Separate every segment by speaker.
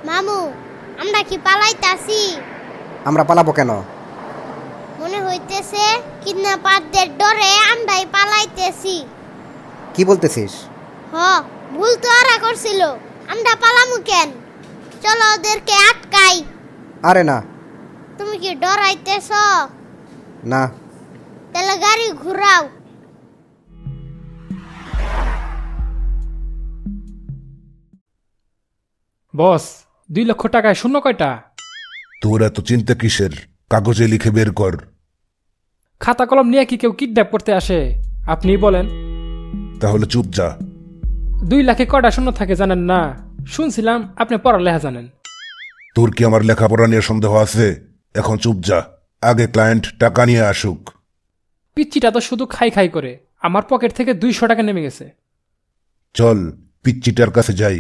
Speaker 1: মামু, আমরা কি পালাইতাছি?
Speaker 2: আমরা পালাবো কেন?
Speaker 1: মনে হইতেছে কিডন্যাপারদের ডরে আমরাই পালাইতেছি।
Speaker 2: কি বলতেছিস?
Speaker 1: ভুল তো ওরা করছিল, আমরা পালামু কেন? চলো ওদেরকে আটকাই।
Speaker 2: আরে না।
Speaker 1: তুমি কি ডরাইতেছ?
Speaker 2: না।
Speaker 1: তাহলে গাড়ি ঘুরাও।
Speaker 3: বস, 2 লক্ষ টাকায় শূন্য কয়টা?
Speaker 4: তোর এত চিন্তা কিসের? কাগজে লিখে বের কর।
Speaker 3: খাতা কলম নিয়ে কি কেউ কিডন্যাপ করতে আসে? আপনি বলেন।
Speaker 4: তাহলে চুপ যা।
Speaker 3: 2 লাখে কয়টা শূন্য থাকে জানেন না? শুনছিলাম আপনি পড়ালেখা জানেন।
Speaker 4: তোর কি আমার লেখাপড়া নিয়ে সন্দেহ আছে? এখন চুপ যা, আগে ক্লায়েন্ট টাকা নিয়ে আসুক।
Speaker 3: পিচ্চিটা তো শুধু খাই খাই করে, আমার পকেট থেকে 200 টাকা নেমে গেছে।
Speaker 4: চল পিচ্চিটার কাছে যাই।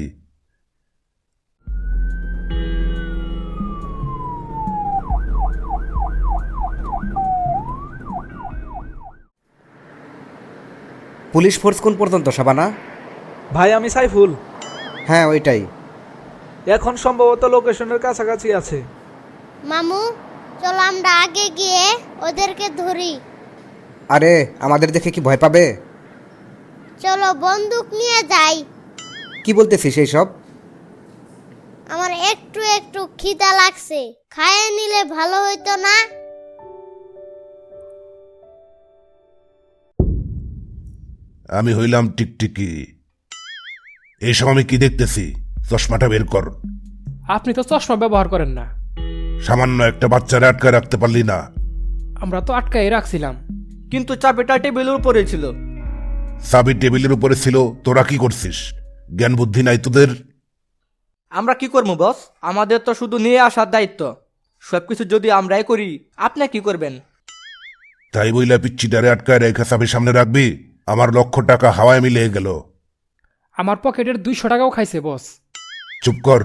Speaker 2: পুলিশ ফোর্স কোন পর্যন্ত, শাবানা?
Speaker 5: ভাই আমি সাইফুল।
Speaker 2: হ্যাঁ ওইটাই।
Speaker 5: এখন সম্ভবত লোকেশনের কাছাকাছি আছে।
Speaker 1: মামু, চলো আমরা আগে গিয়ে ওদেরকে ধরি।
Speaker 2: আরে আমাদের দেখে কি ভয় পাবে?
Speaker 1: চলো বন্দুক নিয়ে যাই।
Speaker 2: কি বলতেছিস এইসব?
Speaker 1: আমার একটু একটু খিদা লাগছে, খাইয়ে নিলে ভালো হইতো না?
Speaker 4: আমি হইলাম টিকটিকি। এইসব আমি কি দেখতেছি? চশমাটা বের কর।
Speaker 3: আপনি তো চশমা ব্যবহার করেন না।
Speaker 4: সামান্য একটা বাচ্চারা আটকায় রাখতে পারলি না?
Speaker 3: আমরা তো আটকাই রাখছিলাম।
Speaker 6: কিন্তু চাবিটা টেবিলের উপরে ছিল।
Speaker 4: চাবি টেবিলের উপরে ছিল, তোরা কি করছিস? জ্ঞান বুদ্ধি নাই তোদের?
Speaker 6: আমরা কি করবো বস? আমাদের তো শুধু নিয়ে আসার দায়িত্ব। সবকিছু যদি আমরাই করি, আপনি কি করবেন?
Speaker 4: তাই বইলা পিচ্চিটারে আটকায় রেখে চাবি সামনে রাখবি? আমার লক্ষ টাকা হাওয়ায় মিলিয়ে গেল।
Speaker 3: আমার পকেটের 200 টাকাও খাইছে বস।
Speaker 4: চুপ কর।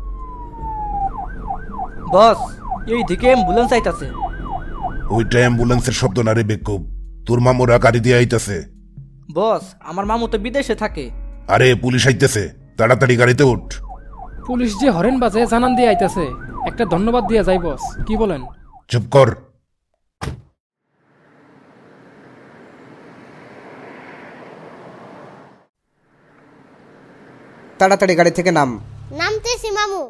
Speaker 6: বস, এই দিকে অ্যাম্বুলেন্স আইতাছে।
Speaker 4: ওইটা অ্যাম্বুলেন্সের শব্দ না রে বেকুব, তোর মামুরা গাড়ি দিয়ে আইতেছে।
Speaker 6: বস, আমার মামু তো বিদেশে থাকে।
Speaker 4: আরে পুলিশ আইতেছে, তাড়াতাড়ি গাড়িতে উঠ।
Speaker 3: পুলিশ যে হরেন বাজে জানান দিয়ে আইতাছে, একটা ধন্যবাদ দিয়ে যাই বস, কি বলেন?
Speaker 4: চুপ কর।
Speaker 2: তাড়াতাড়ি গাড়ি থেকে নাম।
Speaker 1: নামতেছি মামু।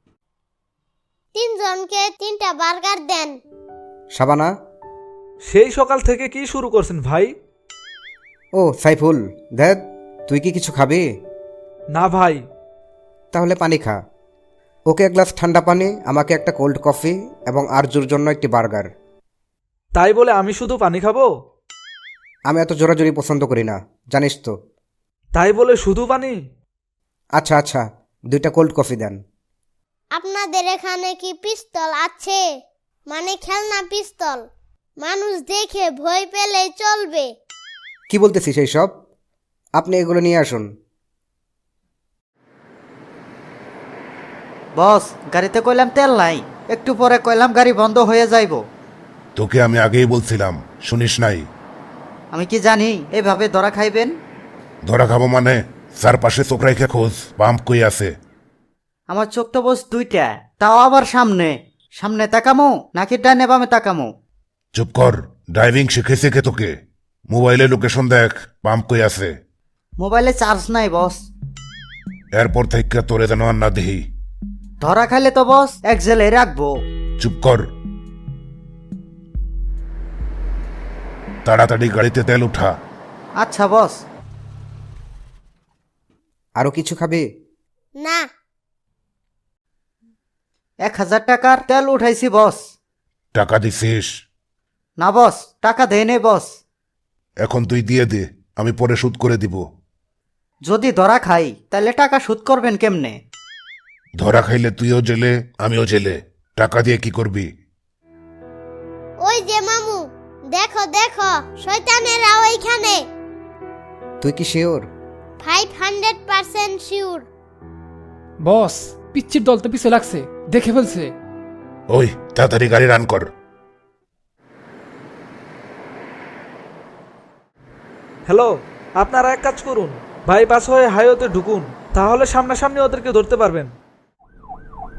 Speaker 1: 3 জনকে 3টা বার্গার দেন।
Speaker 2: শাবানা?
Speaker 5: সেই সকাল থেকে কি শুরু করছেন ভাই?
Speaker 2: ও সাইফুল, দেখ তুই কি কিছু খাবি?
Speaker 5: না ভাই।
Speaker 2: তাহলে পানি খা। ওকে 1 গ্লাস ঠান্ডা পানি, আমাকে একটা কোল্ড কফি এবং আরজুর জন্য একটি বার্গার।
Speaker 5: তাই বলে আমি শুধু পানি খাবো?
Speaker 2: আমি এত জোরাজোরি পছন্দ করি না, জানিস তো।
Speaker 5: তাই বলে শুধু পানি?
Speaker 2: আচ্ছা আচ্ছা, 2টা কোল্ড কফি দেন।
Speaker 1: আপনাদের এখানে কি পিস্তল আছে? মানে খেলনা পিস্তল? মানুষ দেখে ভয় পেলে চলবে।
Speaker 2: কি বলতেছিস এইসব? আপনি এগুলো নিয়ে আসুন।
Speaker 7: বস, গাড়িতে কইলাম তেল নাই, একটু পরে কইলাম গাড়ি বন্ধ হয়ে যাইব।
Speaker 4: তোকে আমি আগেই বলছিলাম, শুনিস নাই?
Speaker 7: আমি কি জানি এভাবে ধরা খাইবেন?
Speaker 4: ধরা খাবো মানে? চারপাশে চোখ রেখে খোঁজ, পাম্প কই আছে।
Speaker 7: আমার চোখ তো বস 2টা, তাও আবার সামনে। সামনে তাকামো নাকি ডানে বামে তাকামো?
Speaker 4: চুপ কর, ড্রাইভিং শিখেছে কে তোকে? মোবাইলে লোকেশন দেখ, পাম্প কই আছে।
Speaker 7: মোবাইলে চার্জ নাই বস।
Speaker 4: এরপর থেকে তোরে যেন আর না দেহি।
Speaker 7: ধরা খাইলে তো বস এক জেলে রাখবো।
Speaker 4: চুপ কর। তাড়াতাড়ি গাড়িতে তেল উঠা।
Speaker 7: আচ্ছা বস।
Speaker 2: আরো কিছু খাবি?
Speaker 1: না।
Speaker 7: 1000 টাকার তেল উঠাইছি বস।
Speaker 4: টাকা দিছিস?
Speaker 7: না বস, টাকা দেয় নেই বস।
Speaker 4: এখন তুই দিয়ে দে, আমি পরে শোধ করে দিব।
Speaker 7: যদি ধরা খাই তাহলে টাকা শোধ করবেন কেমনে?
Speaker 4: ধরা খাইলে তুইও জেলে, আমিও জেলে। টাকা দিয়ে কি করবি?
Speaker 1: ওই যে মামু, দেখো দেখো, শয়তানেরা ওইখানে।
Speaker 2: তুই কি শিওর?
Speaker 1: 500% শিওর।
Speaker 3: বস, পিচ্চির দল তো পিছে লাগছে, দেখে ফেলছে।
Speaker 4: ওই তাড়াতাড়ি গাড়ি রান কর।
Speaker 5: হ্যালো, আপনারা এক কাজ করুন, বাইপাস হয়ে হাইওয়েতে ঢুকুন, তাহলে সামনাসামনি ওদেরকে ধরতে পারবেন।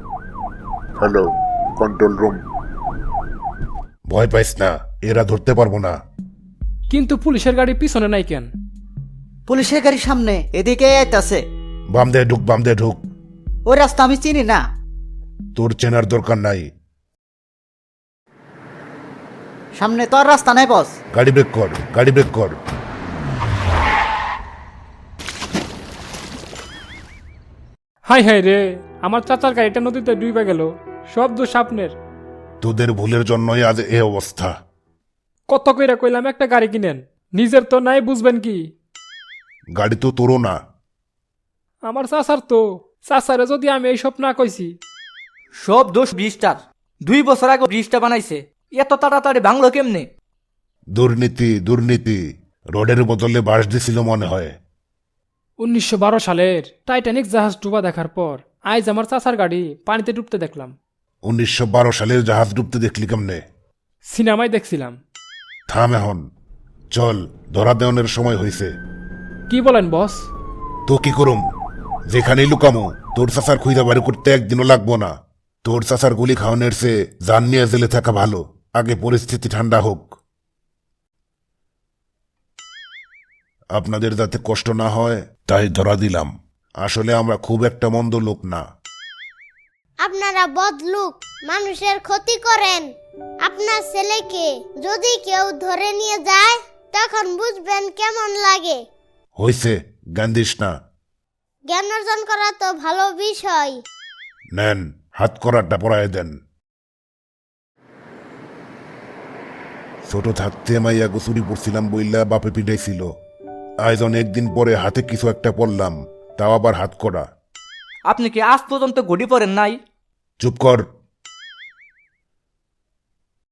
Speaker 8: Hello control room.
Speaker 4: ভয় পাইস না, এরা ধরতে পারবো না।
Speaker 3: কিন্তু পুলিশের গাড়ি পিছনে নাই কেন?
Speaker 7: পুলিশের গাড়ির সামনে এদিকে আইতাছে।
Speaker 4: বাম দিয়ে ঢুক, বাম দিয়ে ঢুক।
Speaker 7: ওই রাস্তা আমি চিনি না।
Speaker 4: তোর চেনার দরকার নাই।
Speaker 7: সামনে তো আর রাস্তা নাই বস।
Speaker 4: গাড়ি ব্রেক কর, গাড়ি ব্রেক কর।
Speaker 3: হাই হাই রে, আমার চাচার গাড়িটা নদীতে ডুবে গেল। সব দোষ আপনার।
Speaker 4: তোদের ভুলের জন্যই আজ এ অবস্থা।
Speaker 3: কত কইরা কইলাম একটা গাড়ি কিনেন, নিজের তো নাই, বুঝবেন কি?
Speaker 4: গাড়ি তো তোরও না।
Speaker 3: আমার চাচার তো। চাচারে যদি আমি এইসব না কইছি।
Speaker 6: সব দোষ ব্রিজটার। 2 বছর আগে ব্রিজটা বানাইছে, এত তাড়াতাড়ি ভাঙলো কেমনে?
Speaker 4: দুর্নীতি, দুর্নীতি। রোডের বদলে বাঁশ দিছিল মনে হয়।
Speaker 3: 1912 সালের টাইটানিক জাহাজ ডুবা দেখার পর আজ আমার চাচার গাড়ি পানিতে ডুবতে দেখলাম।
Speaker 4: 1912 সালের জাহাজ ডুবতে দেখলি কেমনে?
Speaker 3: সিনেমায় দেখছিলাম।
Speaker 4: থাম এখন, চল, ধরা দেওয়ানের সময় হয়েছে।
Speaker 3: কি বলেন বস?
Speaker 4: তো কি করুম? যেখানেই লুকামো, তোর চাচার খুঁজা বাড়ি করতে একদিনও লাগবো না। তোর চাচার গুলি খাওয়ানোর চেয়ে জান নিয়ে জেলে থাকা ভালো। আগে পরিস্থিতি ঠান্ডা হোক। আপনাদের যাতে কষ্ট না হয় তাই ধরা দিলাম। আসলে আমরা খুব একটা মন্দ লোক না।
Speaker 1: আপনারা বদলুক, মানুষের ক্ষতি করেন। আপনার ছেলেকে যদি কেউ ধরে নিয়ে যায় তখন বুঝবেন কেমন লাগে।
Speaker 4: হইছে, জ্ঞান দিস না।
Speaker 1: জ্ঞান অর্জন করা তো ভালো বিষয়।
Speaker 4: নেন, হাত করাটা পরায় দেন। ছোট থাকতে মাইয়া গোসুরি পড়ছিলাম বইলা বাপে পিটাইছিল। আজ অনেকদিন পরে হাতে কিছু একটা পড়লাম, তাও আবার হাত করা।
Speaker 6: আপনি কি আজ পর্যন্ত ঘড়ি পরেন নাই?
Speaker 4: চুপ কর।